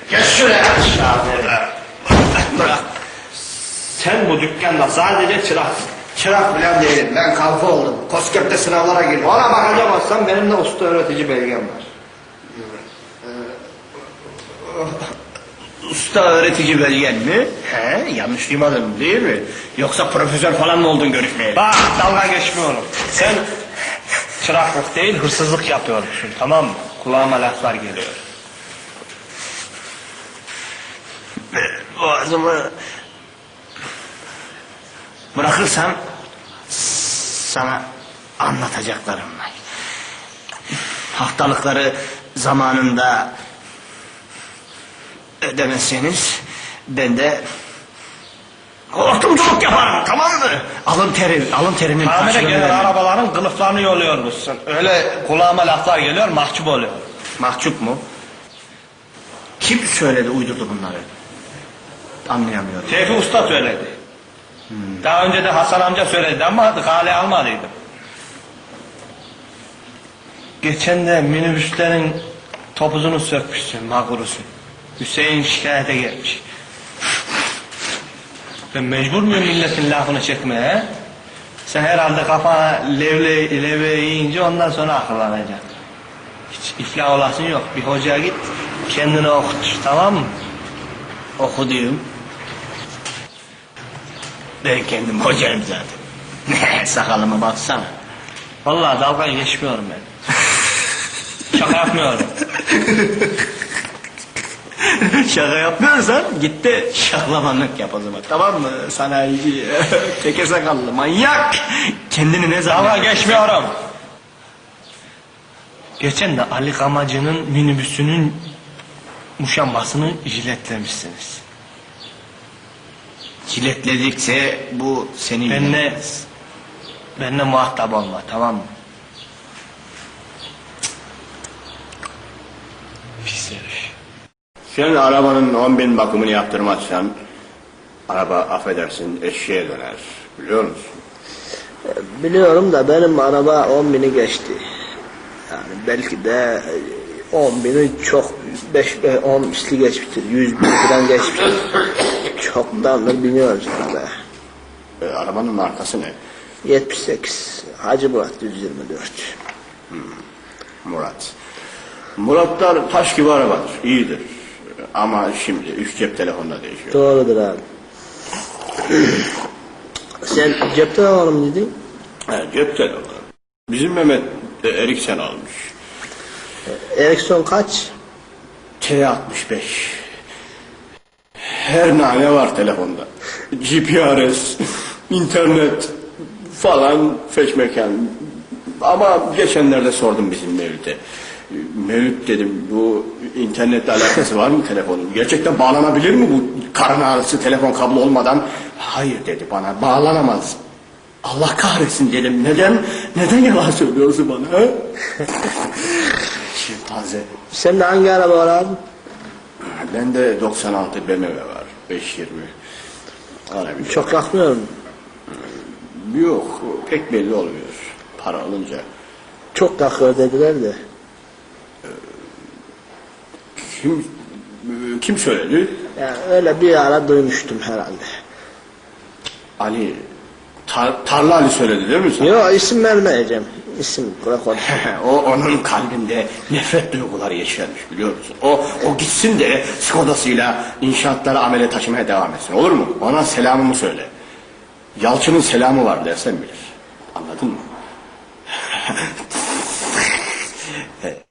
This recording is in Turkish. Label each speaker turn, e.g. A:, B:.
A: Geç şuraya. Bırak. Sen bu dükkanda sadece çıraksın.
B: Çırak falan değilim. Ben kalfa oldum. KOSGEB'de sınavlara girdim.
A: Ona bakacak olsam benim de usta öğretici belgem var.
B: Usta öğretici belgen mi? He, yanlış duymadım değil mi? Yoksa profesör falan mı oldun görüşmeyeli?
A: Bak dalga geçmiyorum. Sen çıraklık değil hırsızlık yapıyorsun, tamam mı? Kulağıma laflar geliyor.
B: Boğazımı bırakırsam sana anlatacaklarım var. Haftalıkları zamanında ödemezseniz ben de hortumculuk yaparım, tamam mı? Alın terinin
A: Tamire
B: karşılığını
A: gelen
B: veririm.
A: arabaların kılıflarını yoluyormuşsun. Öyle kulağıma laflar geliyor, mahcup oluyor.
B: Mahcup mu? Kim söyledi, uydurdu bunları? Anlayamıyorum.
A: Tevfik Usta söyledi. Daha önce de Hasan amca söyledi ama kale almadıydım. Geçen de minibüslerin topuzunu sökmüşsün, mağrusun. Hüseyin şikayete gelmiş. Ben mecbur muyum milletin lafını çekmeye? He? Sen herhalde kafana levle yiyince ondan sonra akıllanacaksın. Hiç iflah olasın yok. Bir hocaya git, kendini okut, tamam mı?
B: Oku diyeyim. Ben kendim hocayım zaten. Sakalıma baksana.
A: Vallahi dalga geçmiyorum ben. Şaka yapmıyorum.
B: Şaka yapmıyorsan git de şaklamanlık yap o zaman, tamam mı? Sanayici, teke sakallı manyak. Kendini ne
A: Dalga
B: zaman
A: geçmiyorum. Geçen de Ali Kamacı'nın minibüsünün muşambasını jiletlemişsiniz.
B: Jiletledikse bu senin...
A: Benimle muhatap olma, tamam mı? Pis herif.
C: Sen arabanın 10.000 bakımını yaptırmazsan araba affedersin eşeğe döner. Biliyor musun?
D: Biliyorum da benim araba 10.000'i geçti. Yani belki de 10.000'i çok 10 misli geçmiştir. 100.000 falan geçmiştir. Çoktandır biniyoruz arabaya.
C: Arabanın markası ne?
D: 78 Hacı Murat 124.
C: Murat. Muratlar taş gibi arabadır. İyidir. Ama şimdi 3 cep telefonla değişiyor.
D: Doğrudur abi. Sen cep telefonu mu dedin?
C: Cep telefonu. Bizim Mehmet Eriksen almış.
D: Ericsson kaç?
C: T65. Her nane var telefonda. GPRS, internet falan feşmekan. Ama geçenlerde sordum bizim Mevlüt'e. Mevlüt dedim, bu internetle alakası var mı telefonun? Gerçekten bağlanabilir mi bu karın ağrısı telefon kablo olmadan? Hayır dedi bana, bağlanamaz. Allah kahretsin dedim. Neden yalan söylüyorsun bana? Şempanze.
D: Senin hangi araba var abi?
C: Bende 96 BMW var. 520. Alabiliyorum.
D: Çok yakmıyor mu?
C: Yok, pek belli olmuyor. Para alınca.
D: Çok yakıyor dediler de.
C: Kim söyledi?
D: Yani öyle bir ara duymuştum herhalde.
C: Ali. Tarla Ali söyledi değil mi sen?
D: Yok, isim vermeyeceğim. İsim konuş.
C: O onun kalbinde nefret duyguları yeşermiş biliyor musun? O gitsin de Skoda'sıyla inşaatlara amele taşımaya devam etsin, olur mu? Ona selamımı söyle. Yalçın'ın selamı var dersen bilir. Anladın mı?